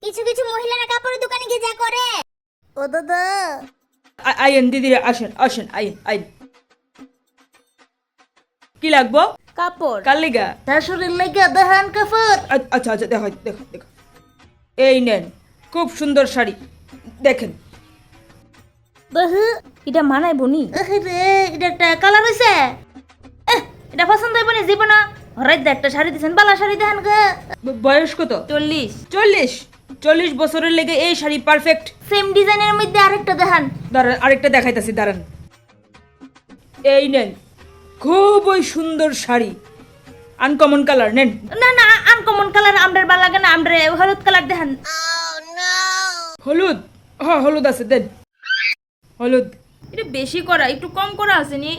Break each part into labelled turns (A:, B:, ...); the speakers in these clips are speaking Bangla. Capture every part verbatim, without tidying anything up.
A: কিছু কিছু মহিলারা কাপড়ের দোকানে গিয়ে যা করে। ও দাদা
B: আইন দিদি আসেন আসেন আইন আইন কি লাগবো?
A: কাপড়।
B: কার লিগা?
A: শাশুড়ির লাগা দেখান কাপড়।
B: আ- আচ্ছা আচ্ছা দেখো দেখো দেখো এই নেন খুব সুন্দর শাড়ি দেখেন।
A: বহু
C: এটা মানায় বনি
A: রে এটা একটা কালার হইছে। এহ, এটা পছন্দ হইব না জীবন। হরাই দে একটা শাড়ি দিছেন, বালা শাড়ি দেখান গা।
B: ব- বয়স কত?
C: চল্লিশ
B: চল্লিশ চল্লিশ বছরের লেগে এই শাড়ি পারফেক্ট।
A: সেম ডিজাইনের মধ্যে আরেকটা দেখান।
B: দাঁড়ান আরেকটা দেখাইতাছি দাঁড়ান। এই নেন খুবই সুন্দর শাড়ি আনকমন কালার নেন।
A: না না আনকমন কালার আমরার ভালো লাগে না, আমরা হলুদ কালার দেখান।
B: হলুদ? হ্যাঁ হলুদ আছে দেন হলুদ।
C: এটা বেশি করা, একটু কম করা আসেনি?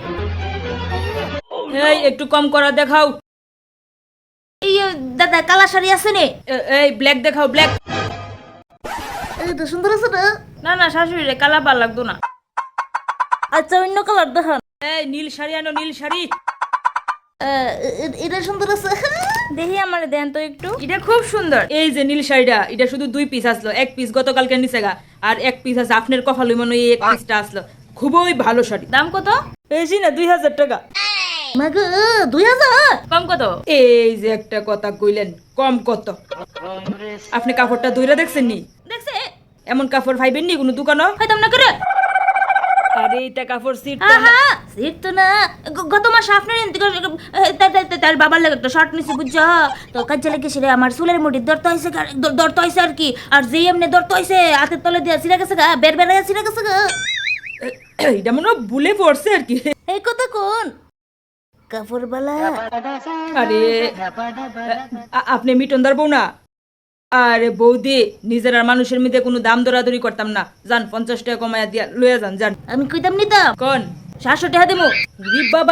B: এই একটু কম করা দেখাও।
A: এই দাদা কালা শাড়ি আছে নে?
B: এ- এই ব্ল্যাক দেখাও ব্ল্যাক।
A: এই তো সুন্দর আছে না।
C: না না শাশুড়ি কালা ভাল লাগতো না।
A: আচ্ছা অন্য কালার দেখান।
B: এই নীল শাড়ি আনো নীল শাড়ি।
A: আহ, এ- এটা সুন্দর আছে।
C: দেখি আমার দেন তো একটু, এটা খুব সুন্দর।
B: এই যে নীল শাড়িটা এটা শুধু দুই পিস আসলো, এক পিস গতকালকে নিচে গা আর এক পিস আছে আপনার কপাল মনে হয় এই এক পিসটা আসলো। খুবই ভালো শাড়ি।
C: দাম কত?
B: বেশি না দুই হাজার টাকা।
A: মাগো দুই হাজার?
C: কম কত?
B: এই যে একটা কথা কইলেন কম কত? আপনি কাপড়টা ধইরা দেখছেন নি?
C: দেখছে
B: এমন কাপড় পাইবেন নি কোনো দোকানও?
C: হয়তো না করে।
B: আরে এটা কাপড় সিট
A: আহা সিট তো না। গ- গত মাসে আপনার এনতে করে- এ, তার- তার- তার- তার বাবার লাগে একটা শর্ট নিছি বুঝছো। তো কাজে লাগে সেটা আমার চুলের মুঠি দরতে হয়েছে, দরতে হয়েছে আর কি। আর যে এমনি দরতে হয়েছে হাতের তলে দিয়া ছিঁড়ে গেছে গা, বের বের হয়ে ছিঁড়ে গেছে গা।
B: এটা মনে হয় ভুলে পড়ছে আর কি।
A: এই কথা কোন কাপড় বালা?
B: আরে আ- আপনি মিটনদার বউ না? আরে বৌদি নিজের আর মানুষের মধ্যে কোনো দাম দরাদরি করতাম না। যান পঞ্চাশ টাকা কমায়া দিয়া লইয়া যান যান।
A: আমি কইতাম নিতাম
B: কোন
A: সাতশো টাকা দেবো।
B: রি বাবা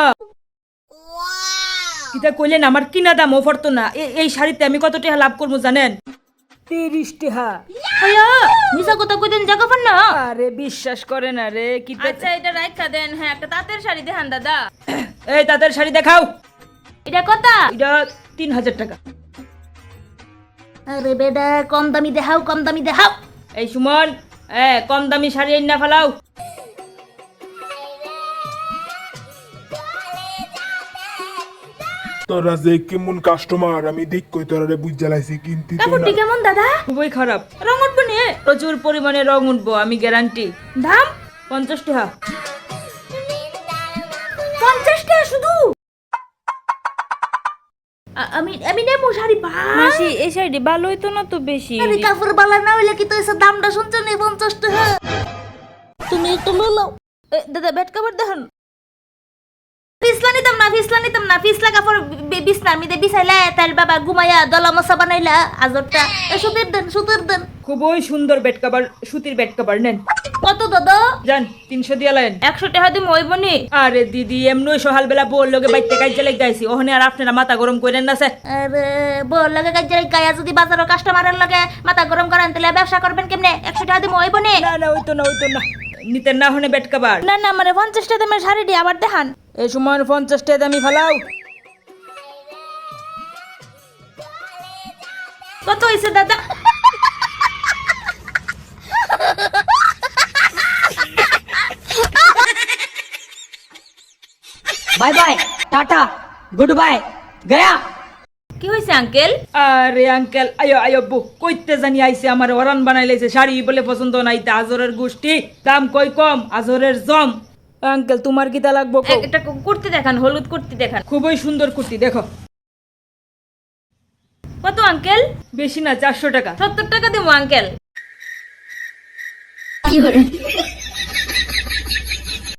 B: কিতা কইলেন আমার কিনা দাম অফার তো না। এ- এই শাড়িতে আমি কত টাকা লাভ করবো জানেন? তিরিশ টাকা।
A: আয়া মিছা কথা কইতেন জায়গা পান না।
B: আরে বিশ্বাস করে না রে কি
C: আচ্ছা এটা রাখা দেন। হ্যাঁ একটা তাঁতের শাড়ি দেখান দাদা।
B: এই তাদের শাড়ি দেখাও।
A: এটা কথা?
B: এটা তিন হাজার টাকা।
A: আরে বেডা কম দামি দেখাও, কম দামি দেখাও।
B: এই সুমন এ কম দামি শাড়ি না ফেলাও।
D: তোরা যে কেমন কাস্টমার আমি দেখ কই তোরা রে বুঝ জ্বালাইছি কিনতি তো
A: কাপড়টি
D: না।
A: কেমন দাদা?
B: খুবই খারাপ।
C: রং উঠবে নে?
B: প্রচুর পরিমাণে রং উঠবো আমি গ্যারান্টি।
C: দাম
B: পঞ্চাশ টাকা।
A: পঞ্চাশ টাকা শুধু? আ- আমি আমি নেবো শাড়ি ভাই।
C: মাসি এই শাড়ি ভালো হইতো না তো বেশি?
A: আরে কাপড় বালা না হইলে কি তো এসে দামটা শুনছো না পঞ্চাশ টাকা? তুমি একটু লো।
C: এ, দাদা বেড কাপড় দেখান।
A: পিছলা নিতাম না, পিছলা নিতাম না, পিছলা কাপড় বি- বিছনার মধ্যে বিছাইলা তার বাবা ঘুমাইয়া দলা মশা বানাইলা আজরটা। এ সুতির দেন, সুতির দেন।
B: খুবই সুন্দর বেড কভার সুতির বেড কভার নেন।
A: কত দাদা?
B: যান তিনশো দিয়া লাইন।
C: একশো টাকা দিয়ে মইব নি?
B: আরে দিদি এমনি সকাল বেলা বল লোকে বাইতে কাজে লেগে যাইছি ওখানে আর আপনারা মাথা গরম করেন না স্যার।
A: আরে বল লাগে কাজে গায়া যদি বাজারও কাস্টমারের লাগে মাথা গরম করেন তাহলে ব্যবসা করবেন কেমনে? একশো টাকা দিয়ে মইব নে?
B: না না ওইতো না ওইতো না নিতেন না হনে বেড কভার।
C: না না মানে পঞ্চাশ টাকা দামের শাড়ি দিয়ে আবার দেখান।
B: এই সময় পঞ্চাশ টাকা দামি ফেলাও।
C: কত হয়েছে দাদা?
E: Bye bye tata good bye गया।
C: কি হয়েছে আঙ্কেল?
B: আরে আঙ্কেল আয়ো আয়ো বউ কইতে জানি আইছে আমার ওরান বানাই লাইছে শাড়ি বলে পছন্দ নাই তা আজরের গোষ্ঠী দাম কই কম আজরের জম। আঙ্কেল তোমার কিতা লাগবো কও?
C: একটা কুর্তি দেখান, হলুদ কুর্তি দেখান।
B: খুবই সুন্দর কুর্তি দেখো।
C: কত আঙ্কেল?
B: বেশি না চারশো টাকা।
C: সত্তর টাকা দেবো আঙ্কেল।